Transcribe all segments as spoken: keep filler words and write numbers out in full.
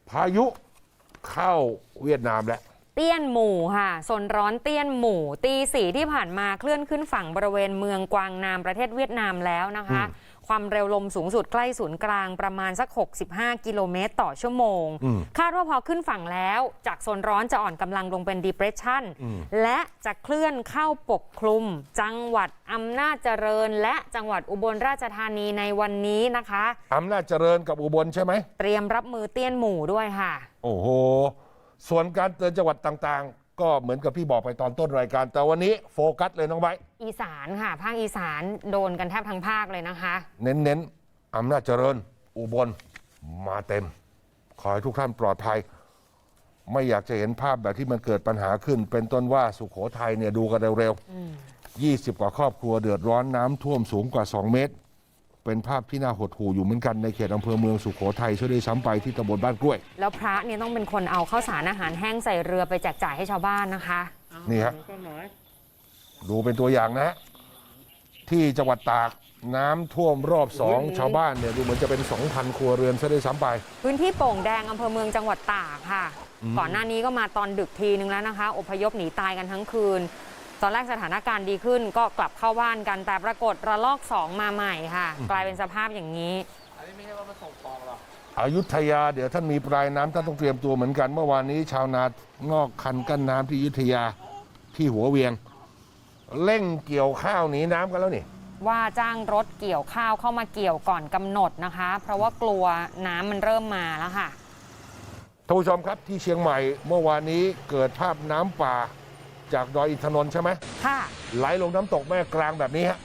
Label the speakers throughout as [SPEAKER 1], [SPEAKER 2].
[SPEAKER 1] พายุเข้าเวียดนามแล้ว
[SPEAKER 2] เตี้ยนหมู่ค่ะโซนร้อนเตี้ยนหมู่ตีสี่ที่ผ่านมาเคลื่อนขึ้นฝั่งบริเวณเมืองกวางนามประเทศเวียดนามแล้วนะคะความเร็วลมสูงสุดใกล้ศูนย์กลางประมาณสักหกสิบห้ากิโลเมตรต่อชั่วโมงคาดว่าพอขึ้นฝั่งแล้วจากโซนร้อนจะอ่อนกำลังลงเป็น depression และจะเคลื่อนเข้าปกคลุมจังหวัดอำนาจเจริญและจังหวัดอุบลราชธานีในวันนี้นะคะ
[SPEAKER 1] อำนาจเจริญกับอุบลใช่ไหม
[SPEAKER 2] เตรียมรับมือเตี้ยนหมู่ด้วยค่ะ
[SPEAKER 1] โอ้โหส่วนการเตือนจังหวัดต่างๆก็เหมือนกับพี่บอกไปตอนต้นรายการแต่วันนี้โฟกัสเลยน้องไบร์ท
[SPEAKER 2] อีสานค่ะภาคอีสานโดนกันแทบทั้งภาคเลยนะคะ
[SPEAKER 1] เน้นๆอำนาจเจริญอุบลมาเต็มขอให้ทุกท่านปลอดภัยไม่อยากจะเห็นภาพแบบที่มันเกิดปัญหาขึ้นเป็นต้นว่าสุโขทัยเนี่ยดูกันเร็วๆยี่สิบกว่าครอบครัวเดือดร้อนน้ำท่วมสูงกว่าสองเมตรเป็นภาพที่น่าหดหู่อยู่เหมือนกันในเขตอำเภอเมืองสุโขทัยช่วยได้ซ้ำไปที่ตำบลบ้านกล้วย
[SPEAKER 2] แล้วพระเนี่ยต้องเป็นคนเอาข้าวสารอาหารแห้งใส่เรือไปแจกจ่ายให้ชาวบ้านนะคะ
[SPEAKER 1] นี่ฮะดูเป็นตัวอย่างนะที่จังหวัดตากน้ำท่วมรอบสองชาวบ้านเนี่ยดูเหมือนจะเป็น สองพัน ครัวเรือนซะได้ซ้ำไป
[SPEAKER 2] พื้นที่โป่งแดงอำเภอเมืองจังหวัดตากค่ะก่อนหน้านี้ก็มาตอนดึกทีนึงแล้วนะคะอพยพหนีตายกันทั้งคืนตอนแรกสถานการณ์ดีขึ้นก็กลับเข้าบ้านกันแต่ปรากฏระลอกสองมาใหม่ค่ะกลายเป็นสภาพอย่างนี้
[SPEAKER 3] อันนี้ไม่ใช่ว่ามาส่งฟองหรอ
[SPEAKER 1] อยุธยาเดี๋ยวท่านมีปลายน้ำท่านต้องเตรียมตัวเหมือนกันเมื่อวานนี้ชาวนางอกคันกั้นน้ำที่อยุธยาที่หัวเวียงเร่งเกี่ยวข้าวหนีน้ำกันแล้วนี่
[SPEAKER 2] ว่าจ้างรถเกี่ยวข้าวเข้ามาเกี่ยวก่อนกำหนดนะคะเพราะว่ากลัวน้ำมันเริ่มมาแล้วค่ะ
[SPEAKER 1] ท่านผู้ชมครับที่เชียงใหม่เมื่อวานนี้เกิดภาพน้ำป่าจากดอยอินทนนท์ใช่ไหม
[SPEAKER 2] ค่ะ
[SPEAKER 1] ไหลลงน้ำตกแม่กลางแบบนี้ฮะ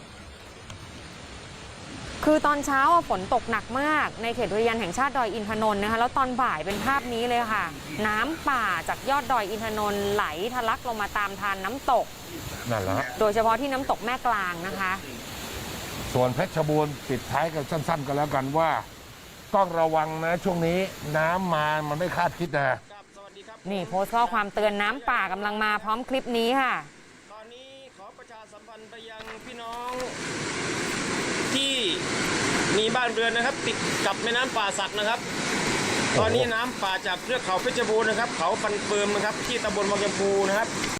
[SPEAKER 2] คือตอนเช้าฝนตกหนักมากในเขตอุทยานแห่งชาติดอยอินทนนท์นะคะแล้วตอนบ่ายเป็นภาพนี้เลยค่ะน้ำป่าจากยอดดอยอินทนนท์ไหลทะลักลงมาตามทานน้ำตก
[SPEAKER 1] นั่นแหละ
[SPEAKER 2] โดยเฉพาะที่น้ำตกแม่กลางนะคะ
[SPEAKER 1] ส่วนเพชรบูรณ์ปิดท้ายกันสั้นๆกันแล้วกันว่าต้องระวังนะช่วงนี้น้ำมามันไม่คาดคิดนะ
[SPEAKER 2] นี่โพสต์ข้อความเตือนน้ำป่ากำลังมาพร้อมคลิปนี้ค่ะ
[SPEAKER 3] ตอนนี้ขอประชาสัมพันธ์ไปยังพี่น้องที่มีบ้านเรือนนะครับติดกับแม่น้ำป่าสักนะครับตอนนี้น้ำป่าจากเทือกเขาเพชรบูรณ์นะครับเขาฟันเฟิร์มนะครับที่ตำบลวังยมพูนะครับ